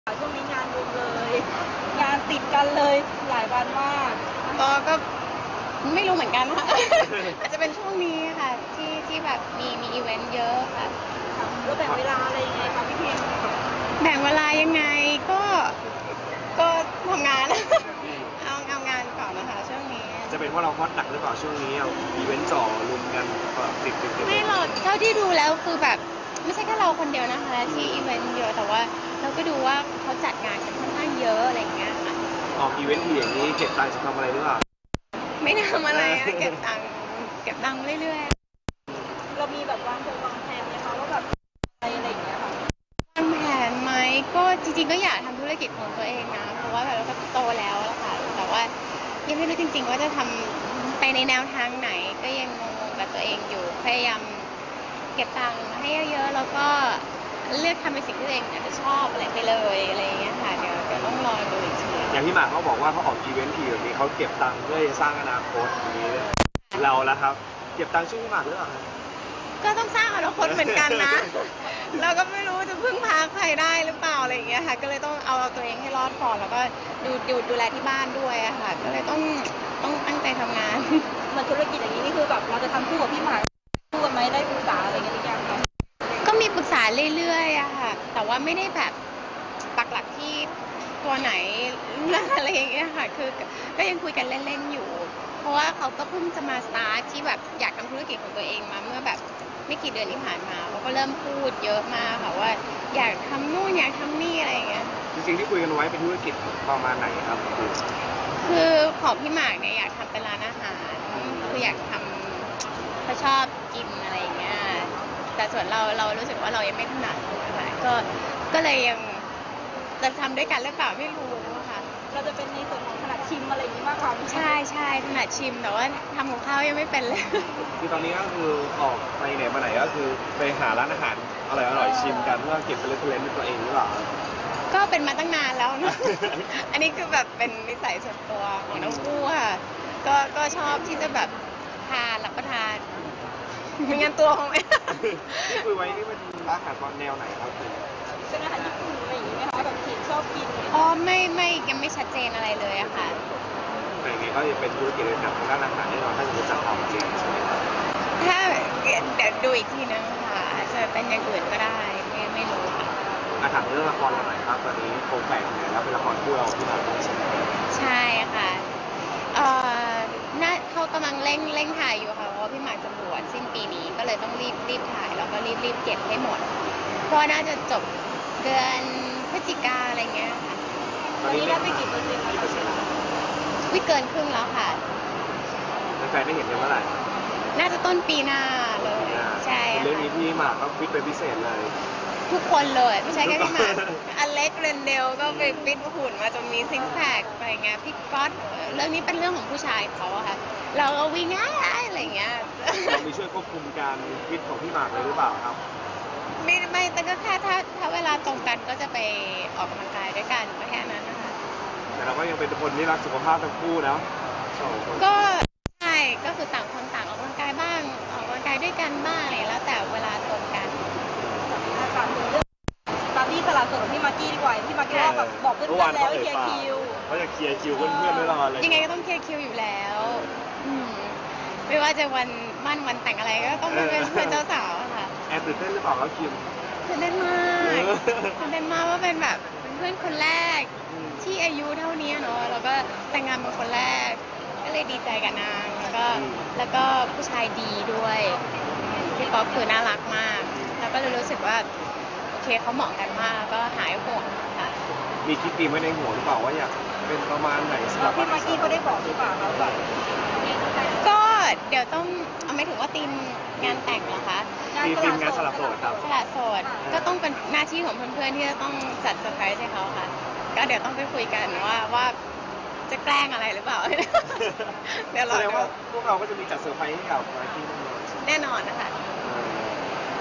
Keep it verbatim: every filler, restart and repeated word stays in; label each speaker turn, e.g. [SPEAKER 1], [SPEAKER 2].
[SPEAKER 1] ช่วงนี้งานรุมเลย งานติดกันเลยหลายวันมาก
[SPEAKER 2] ก็ก็ไม่รู้เหมือนกันค่ะ อาจจะเป็นช่วงนี้ค่ะที่ที่แบบมีมีอีเวนต์เยอะค่ะ
[SPEAKER 1] แล้วแบ่งเวลาอะไรยังไงคะพี่พิม
[SPEAKER 2] แบ่งเวลายังไงก็ก็ทำงาน เอาเอางานก่อนนะคะช่วงนี้
[SPEAKER 3] จะเป็นเพราะเราฮอตหนักหรือเปล่าช่วงนี้เอาอีเวนต์จ่อรุมกันติดติดติด
[SPEAKER 2] ไม่หรอกเท่าที่ดูแล้วคือแบบไม่ใช่แค่เราคนเดียวนะคะที่อีเวนต์เยอะแต่ว่าเราก็ดูว่าเขาจัดงานกันค่อนข้างเยอะอะไรอย่างเงี้ยค่ะ
[SPEAKER 3] ออกอีเวนต์ทีอย่างนี้เก็บตังค์จะทำอะไรหรือเปล่า
[SPEAKER 2] ไม่ทำอะไรอะเก็บตังค์เก็บตังค์เรื่อย
[SPEAKER 1] ๆเรามีแบบวางโปรวางแผนไหมคะว่าแบบอะไรอะไรอย่างเงี้ยค่ะ
[SPEAKER 2] วางแผนไหมก็จริงๆก็อยากทำธุรกิจของตัวเองนะเพราะว่าแบบเราก็โตแล้วแล้วค่ะแต่ว่ายังไม่รู้จริงๆว่าจะทำไปในแนวทางไหนก็ยังงงๆกับตัวเองอยู่พยายามเก็บตังค์ให้เยอะๆแล้วก็เลือกทำเป็นสิ่งที่ตัวเองอาจจะชอบอะไรไปเลยอะไรอย่างเงี้ยค่ะเดี๋ยวเดี๋ยวต้องรอดูอีกที
[SPEAKER 3] อย่างที่หมากเขาบอกว่าเขาออกอีเวนต์ทีแบบนี้เขาเก็บตังค์เพื่อจะสร้างอนาคตอย่างนี้เราแล้วครับเก็บตังค์ช่วยพี่หมากหรือเปล่า
[SPEAKER 2] ก็ต้องสร้างอนาคตเหมือนกันนะเราก็ไม่รู้จะพึ่งพาใครได้หรือเปล่าอะไรอย่างเงี้ยค่ะก็เลยต้องเอาตัวเองให้รอดก่อนแล้วก็ดูดูดูแลที่บ้านด้วยอะค่ะก็เลยต้องต้องตั้งใจทำงาน
[SPEAKER 1] มันธุรกิจอย่างนี้นี่คือแบบเราจะทำคู่กับพี่หมากคู่กันไหมได้ปรึกษาอะไรเงี้ยหรือยังคะ
[SPEAKER 2] ก็มีปรึกษาเรื่อยๆอะค่ะแต่ว่าไม่ได้แบบปักหลักที่ตัวไหนอะไรอย่างเงี้ยค่ะคือก็ยังคุยกันเล่นๆอยู่เพราะว่าเขาก็เพิ่งจะมาสตาร์ทที่แบบอยากทำธุรกิจของตัวเองมาเมื่อแบบไม่กี่เดือนที่ผ่านมาเขาก็เริ่มพูดเยอะมากค่ะว่าอยากทำนู่นอยากทำนี่อะไรอย่างเงี้ย
[SPEAKER 3] จริงๆที่คุยกันไว้เป็นธุรกิจประมาณไหนครับ
[SPEAKER 2] คือของพี่หมากเนี่ยอยากทำเป็นร้านอาหารคืออยากทำเขาชอบกินอะไรอย่างเงี้ยแต่ส่วนเราเรารู้สึกว่าเรายังไม่ถนัดนะคะก็ก็เลยยังจะทำด้วยกันหรือเปล่าไม่รู้ค่ะ
[SPEAKER 1] เราจะเป็นในส่วนของถนัดชิมอะไรอย่างนี้มากกว่า
[SPEAKER 2] ใช่ใช่ถนัดชิมแต่ว่าทำของข้าวยังไม่เป็นเลย
[SPEAKER 3] คือตอนนี้ก็คือออกไปไหนมาไหนก็คือไปหาร้านอาหารอร่อยอร่อยชิมกันเพื่อเก็บเป็นเรฟเฟรนซ์ตัวเองหรือเปล่า
[SPEAKER 2] ก็เป็นมาตั้งนานแล้วนะ อันนี้คือแบบเป็นนิสัยส่วนตัวของน้องกู้ค่ะก็ก็ชอบที่จะแบบทานรับประทานมีงานตัวของแม่
[SPEAKER 3] ที่คุยไว้นี่เป็นร้านอาหารตอนแนวไหนครับ
[SPEAKER 1] เป็นอาหารญี่ปุ่นอะไรอย่างนี้ไหมคะแบบที่ชอบกิน
[SPEAKER 2] อ๋อไม่ไม่ยังไม่ชัดเจนอะไรเลยอะค่ะ
[SPEAKER 3] แต่อย่างนี้ก็จะเป็นธุรกิจในทางด้านอาหารแน่นอนถ้าจะจัดทำจริงใช่ไหมครับ
[SPEAKER 2] ถ้าเดี๋ยวดูอีกทีนึงค่ะอาจจะเป็นอย่างอื่นก็ได้ไม่ไม่รู้ค่ะ
[SPEAKER 3] อาถามเรื่องละครเราหน่อยครับตอนนี้โครงแปลกไหนแล้วเป็นละครคู่เราที่เราต้องใช่ไหม
[SPEAKER 2] ใช่ค่ะเอ่อน่าเขากำลังเร่งเร่งถ่ายอยู่ค่ะเพราะว่าพี่หมากจะบวชสิ้นปีนี้ก็เลยต้องรีบรีบถ่ายแล้วก็รีบรีบเก็บให้หมดเพราะน่าจะจบเดือนพฤศจิกาอะไรเงี้ยค่ะ
[SPEAKER 1] ตอนนี้ได้ไปกี่เปอร์เซ็นต์แล้ว
[SPEAKER 2] วิเกินครึ่งแล้วค่ะ
[SPEAKER 3] แฟนได้เห็นกันเมื่อไหร่
[SPEAKER 2] น่าจะต้นปีหน้าเลยใช่
[SPEAKER 3] เรื่องนี้พี่หมากก็ฟิตเป็นพิเศษเลย
[SPEAKER 2] ทุกคนเลยไม่ใช่แค่พี่หมากอเล็กเรนเดลก็ไปฟิตหุ่นมาจนมีซิงค์แพคอะไรเงี้ยพี่ก๊อตเรื่องนี้เป็นเรื่องของผู้ชายเขาอะค่ะเราก็วิ่งง่ายอะไรเงี้ย
[SPEAKER 3] เรามีช่วยควบคุมการฟิตของพี่หมากเลยหรือเปล่าครับ
[SPEAKER 2] ไม่ไม่แต่ก็แค่ถ้าถ้าเวลาตรงกันก็จะไปออกกำลังกายด้วยกันก็แค่นั้นนะคะ
[SPEAKER 3] แต่เราก็ยังเป็นคนที่รักสุขภาพทั้งคู่นะ
[SPEAKER 2] ก็ใช่ก็คือต่างคนต่างออกกำลังกายบ้างออกกำลังกายด้วยกันบ้างอะไรแล้วแต่เวลาตรงกัน
[SPEAKER 1] ถามถึงเรื่องตามที่ตลาดสดของพี่มากกี้ดีกว่าพี่มากกี้ว่าแบบบอกเพื่อนๆแล้วเคลียร์คิว
[SPEAKER 3] เขาจะเคลียร์คิวเพื่อนๆด้วยรอเลย
[SPEAKER 2] ยังไงก็ต้องเคลียร์คิวอยู่แล้วไม่ว่าจะวันมั่นวันแต่งอะไรก็ต้องเป็นเพื่อนเจ้าสาวค่ะ
[SPEAKER 3] แอบตื่นเต้นหรือเปล่าครับคิม
[SPEAKER 2] ตื่นเต้นมากตื่นเต้นมากว่าเป็นแบบเป็นเพื่อนคนแรกที่อายุเท่านี้เนาะแล้วก็แต่งงานเป็นคนแรกก็เลยดีใจกับนางแล้วก็แล้วก็ผู้ชายดีด้วยพี่ป๊อปคือน่ารักมากแล้วก็เลยรู้สึกว่าโอเคเขาเหมาะกันมากก็หายห่วงค่ะ
[SPEAKER 3] มีคิดตีไว้ในหัวหรือเปล่าว่าอยากเป็นประมาณไหนสำหรับ
[SPEAKER 1] พี่มากกี้เขาได้บอกหรือเปล่าเขาแบบ
[SPEAKER 2] ก็เดี๋ยวต้องเอาไม่ถึงว่าทีมงานแต่งเหรอคะ
[SPEAKER 3] ทีมงานสลับโสดครับ
[SPEAKER 2] สลับโสดก็ต้องเป็นหน้าที่ของเพื่อนๆที่จะต้องจัดเซอร์ไพรส์ให้เขาค่ะก็เดี๋ยวต้องไปคุยกันว่าว่าจะแกล้งอะไรหรือเปล่าเดี๋ยวรอ
[SPEAKER 3] แสดงว่าพวกเราก็จะมีจัดเซอร์ไพรส์ให้กับมากกี้
[SPEAKER 2] แน่นอนนะคะ